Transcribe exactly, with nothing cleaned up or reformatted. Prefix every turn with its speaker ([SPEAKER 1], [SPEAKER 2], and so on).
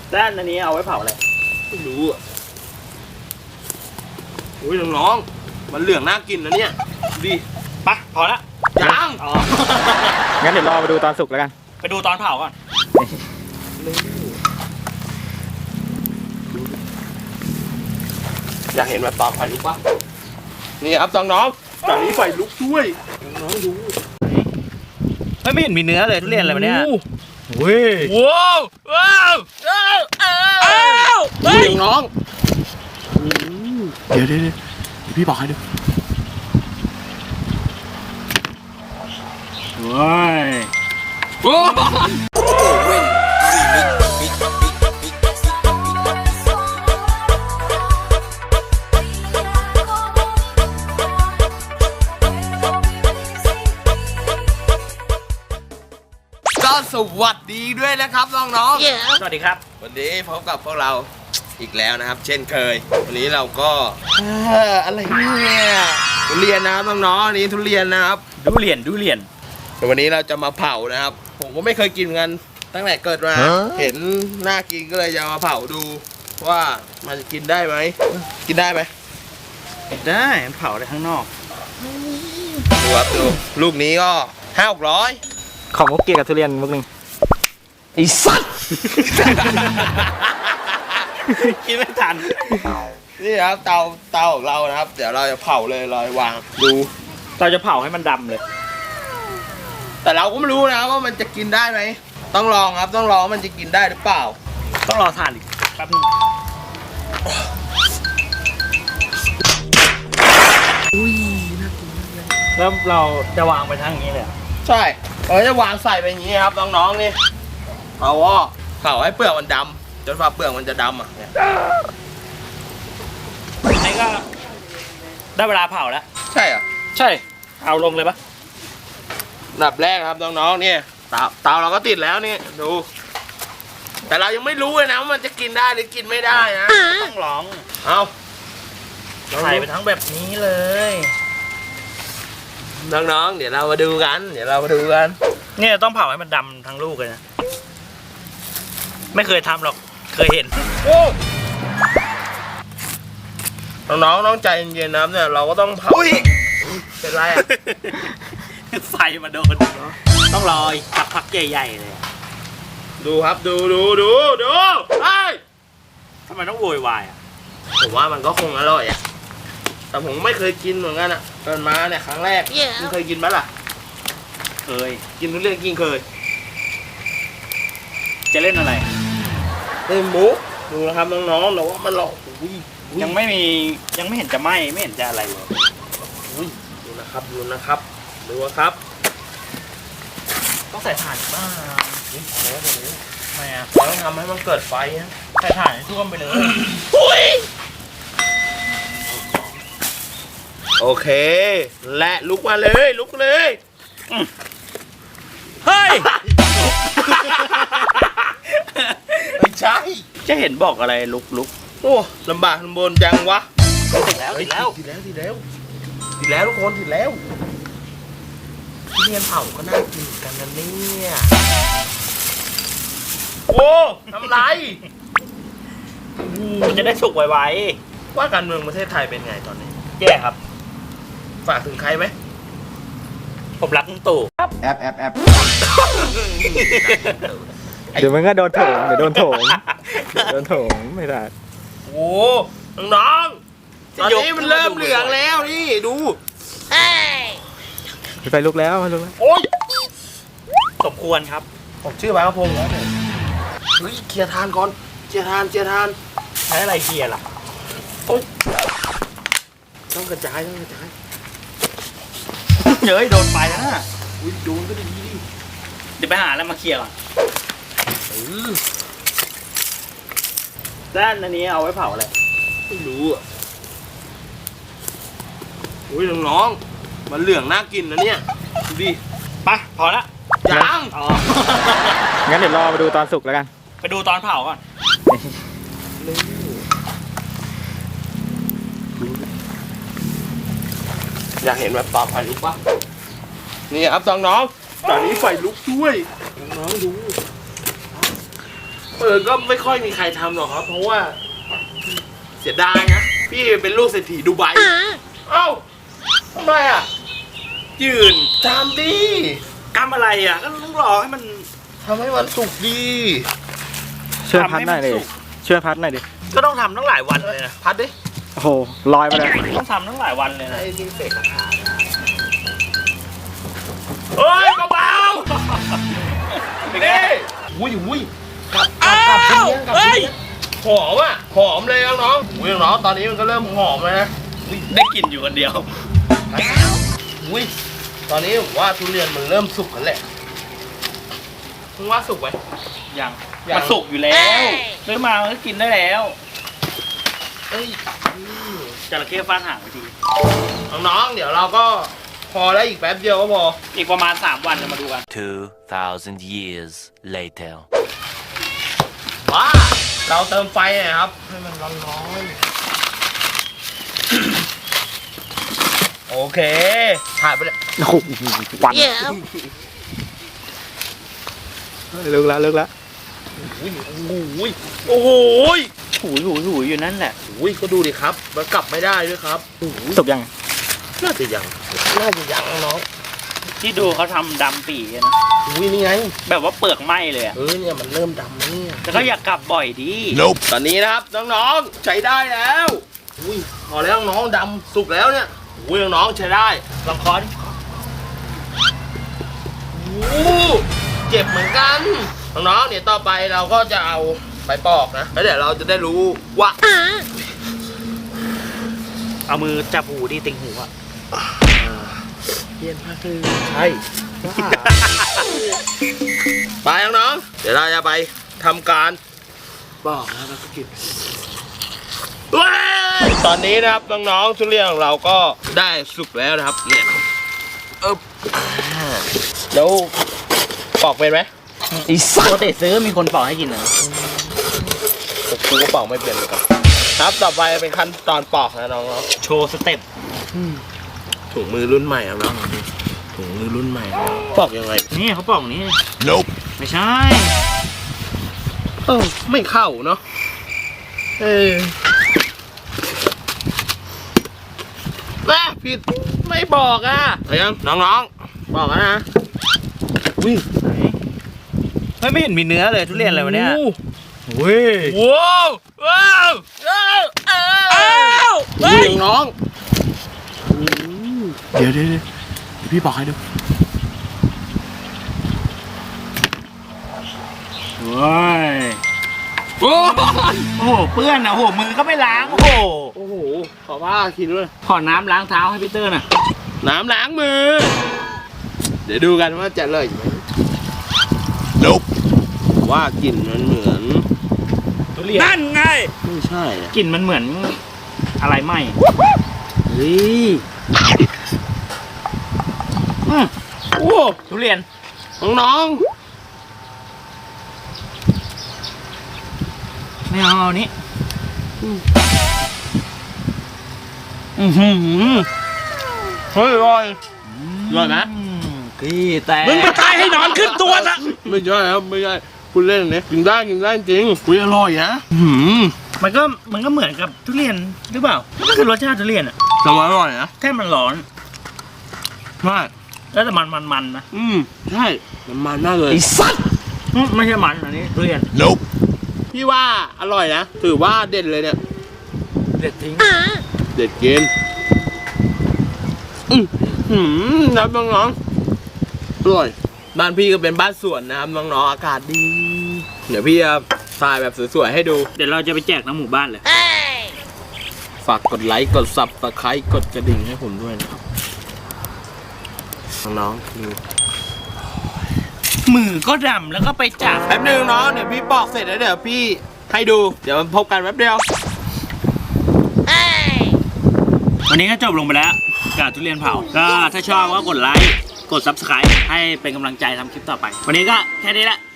[SPEAKER 1] ด้านอันนี้เอาไว้เผาอะไร
[SPEAKER 2] ไม่รู้อ่ะโอ้ยน้องๆมันเหลืองน่ากินนะเนี่ยดี
[SPEAKER 1] ปะพอละ
[SPEAKER 2] ยัง
[SPEAKER 1] อ๋อ
[SPEAKER 3] งั้นเดี๋ยวรอไปดูตอนสุกแล้วกัน
[SPEAKER 1] ไปดูตอนเผาก่อน
[SPEAKER 2] อยากเห็นแบบตอนไฟลุกปะนี่ครับน้องๆตอนนี้ไฟลุกด้วยน้องๆดู
[SPEAKER 1] ไม่เห็นมีเนื้อเลยทุเรียนอะไรมาเนี่ย
[SPEAKER 2] เว้ยว้าวว้าวว้าวอ้าวน้องเดี๋ยวเดี๋ยวพี่บอกให้ดู
[SPEAKER 1] ว้าย
[SPEAKER 2] โอ้สวัสดีด้วยนะครับน้องๆ
[SPEAKER 1] สวัสดีครับ
[SPEAKER 2] วันนี้พบกับพวกเราอีกแล้วนะครับเช่นเคยวันนี้เราก็อะไรเนี่ยทุเรียนนะครับน้องๆนี้ทุเรียนนะครับ
[SPEAKER 1] ดูเรียนดูเรียน
[SPEAKER 2] แต่วันนี้เราจะมาเผานะครับผมก็ไม่เคยกินกันตั้งแต่เกิดมาเห็นน่ากินก็เลยจะมาเผาดูว่ามันจะกินได้ไหมกินได้ไหม
[SPEAKER 1] ได้เผาได้ข้างนอก
[SPEAKER 2] ดูครับดูลูกนี้ก็ห้าหกร้อย
[SPEAKER 3] ของมุกเกียกับทุเรียนมุกหนึ่ง
[SPEAKER 2] ไอ้สัตว์
[SPEAKER 1] กินไม่ทัน
[SPEAKER 2] นี่ครับเตาเตาของเรานะครับเดี๋ยวเราจะเผาเลยเราวางดู
[SPEAKER 1] เราจะเผาให้มันดำเลย
[SPEAKER 2] แต่เราก็ไม่รู้นะว่ามันจะกินได้ไหมต้องลองครับต้องลองมันจะกินได้หรือเปล่า
[SPEAKER 1] ต้องรอทานอีกแป๊บนึง
[SPEAKER 2] อุ้ยน่ากินมากเลย
[SPEAKER 1] แล้วเราจะวางไปทางนี้เลย
[SPEAKER 2] ใช่เราจะวางใส่ไปอย่างนี้ครับน้องๆนี่เอาว่าเผาให้เปลือกมันดำจนฝ่าเปลือกมันจะดำอ่ะเนี่ย
[SPEAKER 1] นี่ก็ได้เวลาเผาแล้ว
[SPEAKER 2] ใช่เหรอ
[SPEAKER 1] ใช่เอาลงเลยปะ
[SPEAKER 2] อันดับแรกครับน้องๆเนี่ยเตาเตาเราก็ติดแล้วนี่ดูแต่เรายังไม่รู้เลยนะว่ามันจะกินได้หรือกินไม่ได้นะ
[SPEAKER 1] ต้องลอง
[SPEAKER 2] เอา
[SPEAKER 1] ใส่ไปทั้งแบบนี้เลย
[SPEAKER 2] น้องๆเดี๋ยวเรามาดูกันเดี๋ยวเรามาดูกัน
[SPEAKER 1] เนี่ยต้องเผาให้มันดำทั้งลูกเลยนะไม่เคยทำหรอกเคยเห็น
[SPEAKER 2] โอ้น้องๆน้องใจเย็นๆนะเนี่ยเราก็ต้องเผาเป็นไรอ่ะ
[SPEAKER 1] ไฟมาโดนต้องรอสักพักใหญ่ๆเลย
[SPEAKER 2] ดูครับดูดูดูดูไอ้
[SPEAKER 1] ทำไมต้องโวยวายอ่ะ
[SPEAKER 2] ผมว่ามันก็คงอร่อยอ่ะแต่ผมไม่เคยกินเหมือนกันอ่ะเกิดมาเนี่ยครั้งแรกคุณเคยกินไหมล่ะ
[SPEAKER 1] เคย
[SPEAKER 2] กินทุเรียนกินเคย
[SPEAKER 1] จะเล่นอะไร
[SPEAKER 2] เล่นมุกดูนะครับน้องๆแต่ว่ามันหลอก
[SPEAKER 1] ยังไม่มียังไม่เห็นจะไหม้ไม่เห็นจะอะไรเลย
[SPEAKER 2] ดูนะครับดูนะครับดูครับ
[SPEAKER 1] ต้องใส่ถ่านบ้าง
[SPEAKER 2] นี่พอแล้วพอแล้ว
[SPEAKER 1] ทำไมอ่ะ
[SPEAKER 2] ต้องทำให้มันเกิดไฟนะ
[SPEAKER 1] ใส่ถ่านให้ท่วมไปเลย
[SPEAKER 2] โอเคและลุกมาเลยลุกเลย
[SPEAKER 1] เฮ้ย
[SPEAKER 2] ไม่ใช่
[SPEAKER 1] จะเห็นบอกอะไรลุกลุก
[SPEAKER 2] โอ้ลำบากลำบนจังวะ
[SPEAKER 1] ติดแล้วติดแล้ว
[SPEAKER 2] ติดแล้วติดแล้วติดแล้วทุกคนติดแล้วทุเรียนเผาก็น่ากินกันนะเนี่ยโอ้ทำไร
[SPEAKER 1] มันจะได้สุกไว
[SPEAKER 2] ๆว่าการเมืองประเทศไทยเป็นไงตอนนี้
[SPEAKER 1] แย่ครับ
[SPEAKER 2] ฝากถึงใครไหม
[SPEAKER 1] ผมรักลุงตู่
[SPEAKER 3] ครับแอบแอบแอบเดี๋ยวมันก็โดนโถมเดี๋ยวโดนโถมโดนโถมไม่ได้
[SPEAKER 2] โอ้น้องๆตอนนี้มันเริ่มเหลืองแล้วนี่ดู
[SPEAKER 3] ไฟลุกแล้วไฟลุกแล้ว
[SPEAKER 2] โอ้ย
[SPEAKER 1] สมควรครับ
[SPEAKER 2] ผมชื่อบ้าพงษ์แล้วเนี่ยเฮ้ยเคลียร์ทานก่อนเคลียร์ทานเคลียร์ทาน
[SPEAKER 1] ใช้อะไรเคลียร์ล่ะ
[SPEAKER 2] โอ้ยต้องกระจายต้องกระจาย
[SPEAKER 1] เฮ้ยโดนไฟแล้วนะ
[SPEAKER 2] อุ้ยโดนก็ดีดิ
[SPEAKER 1] เดี๋ยวไปหาแล้วมาเคลียร์ก่อนด้านอันนี้เอาไว้เผาอะไร
[SPEAKER 2] ไม่รู้อ่ะอุ้ยน้องๆมันเหลืองน่ากินนะเนี่ยดูดิ
[SPEAKER 1] ไปพอละ
[SPEAKER 2] ยัง
[SPEAKER 1] อ๋อ
[SPEAKER 3] งั้นเดี๋ยวรอไปดูตอนสุกแล้วกัน
[SPEAKER 1] ไปดูตอนเผาก่อน
[SPEAKER 2] อยากเห็นแบบตอนไฟลุกปะนี่ครับน้องๆตอนนี้ไฟลุกด้วยน้องๆดูเออก็ไม่ค่อยมีใครทำหรอกครับ เพราะว่า เสียดายนะพี่เป็นลูกเศรษฐีดูไบเอ้าทำไมอ่ะ
[SPEAKER 1] ยืน
[SPEAKER 2] ทำดิ
[SPEAKER 1] กำอะไรอ่ะก็ต้องรอให้มัน
[SPEAKER 2] ทำให้มันสุกดี
[SPEAKER 3] ช่วยพัดหน่อยดิช่วยพัดหน่อยดิ
[SPEAKER 1] ก็ต้องทำตั้งหลายวันเลยนะ
[SPEAKER 2] พัดดิ
[SPEAKER 3] โอ้โหลอยไปเลย
[SPEAKER 1] ต้องทำตั้งหลายวันเลยนะ
[SPEAKER 2] ไอ้นี่เสกกระถา
[SPEAKER 1] เฮ้ยเบา
[SPEAKER 2] นี่อุ้ยอุ้ยกลับกลั
[SPEAKER 1] อ้า
[SPEAKER 2] บกลับ
[SPEAKER 1] ว
[SPEAKER 2] กลับ
[SPEAKER 1] เฮ้ย
[SPEAKER 2] หอมอ่ะหอมเลยน้องๆอุ้ยน้องๆตอนนี้มันก็เริ่มหอมแล้วนะ
[SPEAKER 1] ได้กลิ่นอยู่คนเดียว
[SPEAKER 2] อุ้ยตอนนี้ผมว่าทุเรียนมันเริ่มสุกแล้วแหละมึงว่าสุกไหม
[SPEAKER 1] ยัง
[SPEAKER 2] ยัง
[SPEAKER 1] มันสุกอยู่แล้วซื้อมามันก็กินได้แล้ว
[SPEAKER 2] เอ้ย
[SPEAKER 1] จระเข้ฟาดหางไปที
[SPEAKER 2] น้องๆเดี๋ยวเราก็พอแล้วอีกแป๊บเดียวก็พอ
[SPEAKER 1] อีกประมาณสามวันจะมาดูกัน
[SPEAKER 4] Two thousand years later.
[SPEAKER 2] ว้าเราเติมไฟหน่อยครับให้มันร้อนๆโอเคถ่ายไปเลย
[SPEAKER 3] โอ้โหควันเลิกละเลิกละ
[SPEAKER 2] อุ้ยโอ้โห
[SPEAKER 1] หูยหูยหูยอยู่นั่นแหละ
[SPEAKER 2] อุ้ยก็ดูดิครับมันกลับไม่ได้ด้วยครับโอ้โห
[SPEAKER 3] สุกยัง
[SPEAKER 2] น่าจะยังน่าจะยังน้อง
[SPEAKER 1] ที่ดูเขาทำดำปีกันนะ
[SPEAKER 2] อุ้ยนี่ไง
[SPEAKER 1] แบบว่าเปลือกไหม้เลยอะ
[SPEAKER 2] เออเนี่ยมันเริ่มดำแล้วเนี่ย
[SPEAKER 1] แต่ก็อยากกลับบ่อยดี
[SPEAKER 4] Nope.
[SPEAKER 2] ตอนนี้นะครับน้องๆใช้ได้แล้วอุ้ยพอแล้วน้องๆดำสุกแล้วเนี่ยอุ้ยน้องๆใช้ได้
[SPEAKER 1] ลองคอน
[SPEAKER 2] โอ้เจ็บเหมือนกันน้องๆเดี๋ยวต่อไปเราก็จะเอาไปปอกนะแล้วเดี๋ยวเราจะได้รู้ว่า
[SPEAKER 1] เอามือจับหูดิติงหูอะ
[SPEAKER 2] เย็นมากเลยใช่ไปน้องๆเดี๋ยวเราจะไปทำการปอกนะแล้วก็กินว้ายตอนนี้นะครับน้องๆทุเรียนของเราก็ได้สุกแล้วนะครับเนี่ยเออเดี๋ยวปอกเป็นไหม
[SPEAKER 1] อีสัตว์เตะซื้อมีคนปอกให้กินเหรอ
[SPEAKER 2] กูก็ปอกไม่เป็นเหมือนกันครับต่อไปเป็นขั้นตอนปอกนะน้อง
[SPEAKER 1] โชว์สเต็ป
[SPEAKER 2] ๆถุงมือรุ่นใหม่ครับน้องถุงมือรุ่นใหม่นะปอกยังไง
[SPEAKER 1] นี่เขาปอกอย่างนี้
[SPEAKER 4] Nope.
[SPEAKER 1] ไม่ใช่
[SPEAKER 2] เออไม่เข้าเนาะเออแม่ผิดไม่บอกอ่ะเอายังน้องๆบอกแล้วนะอุ้ย
[SPEAKER 1] เฮ้ยไม่เห็นมีเนื้อเลยทุเรียนอะไรวะเนี่ย
[SPEAKER 3] เว้ย
[SPEAKER 2] ว้าวว้าวว้าวอ้าวเฮ้ยน้องเดี๋ยวเดี๋ยวเดี๋ยวพี่บอกให้ดู
[SPEAKER 1] เว้ย
[SPEAKER 2] โอ้
[SPEAKER 1] โอ้โหเปื้อนอ่ะโอ้โหมือก็ไม่ล้างโอ้โห
[SPEAKER 2] โอ้โหขอผ้าคิดด้วย
[SPEAKER 1] ขอน้ำล้างเท้าให้พี่เตอร์หน่ะ
[SPEAKER 2] น้ำล้างมือ เดี๋ยวดูกันว่าจะเลยไหม
[SPEAKER 4] Nope.
[SPEAKER 2] ว่ากลิ่นมันเหมือน
[SPEAKER 1] ทุเรียนนั่นไง
[SPEAKER 2] ไม่ใช่อะ
[SPEAKER 1] กลิ่นมันเหมือนอะไรไหม
[SPEAKER 2] เฮ้ย
[SPEAKER 1] อืม
[SPEAKER 2] โอ้
[SPEAKER 1] ทุเรียน
[SPEAKER 2] น้อง
[SPEAKER 1] ไม่เอาเอานี้อือหือ
[SPEAKER 2] ๆเฮ้ยอร่อยอร่อยไหม
[SPEAKER 1] พี่แต่
[SPEAKER 2] มึงไปตายให้นอนขึ้นตัวซะไม่ใช่ครับไม่ใช่คุณเล่นเนี่ยกินได้กินได้จริงคุยอร่อยนะหืม
[SPEAKER 1] มันก็มันก็เหมือนกับทุเรียนหรือเปล่ามันก็คือรสชาติทุเรียนอ่ะ
[SPEAKER 2] ทำไมอร่อยนะ
[SPEAKER 1] แค่มันร้อน
[SPEAKER 2] ใช่
[SPEAKER 1] แล้วแต่มันมันมันนะ
[SPEAKER 2] อืมใช่มันมันมากเลย
[SPEAKER 1] อืมไม่ใช่มันอันนี้ทุเรียน
[SPEAKER 4] Nope.
[SPEAKER 2] พี่ว่าอร่อยนะถือว่าเด็ดเลยเนี่ย
[SPEAKER 1] เด็ดทิ้ง
[SPEAKER 2] เด็ดกินอืมหืมน้ำน้องๆอร่อยบ้านพี่ก็เป็นบ้านสวนนะครับน้องๆอากาศดี เดี๋ยวพี่จะถ่ายแบบสวยๆให้ดู
[SPEAKER 1] เดี๋ยวเราจะไปแจกทั้งหมู่บ้านเลย
[SPEAKER 2] ฝากกดไลค์กดซับสไครต์กดกระดิ่งให้ผมด้วยนะครับน้องๆดู
[SPEAKER 1] มือก็ดำแล้วก็ไปจับ
[SPEAKER 2] แป๊บนึงน้องเดี๋ยวพี่ปอกเสร็จแล้วเดี๋ยวพี่ให้ดูเดี๋ยวมาพบกันแป๊บเดียว
[SPEAKER 1] วันนี้ก็จบลงไปแล้วกับทุเรียนเผา ก็ถ้าชอบก็กดไลค์ กด ซับสไครบ์ ให้เป็นกำลังใจทำคลิปต่อไป วันนี้ก็แค่นี้แหละ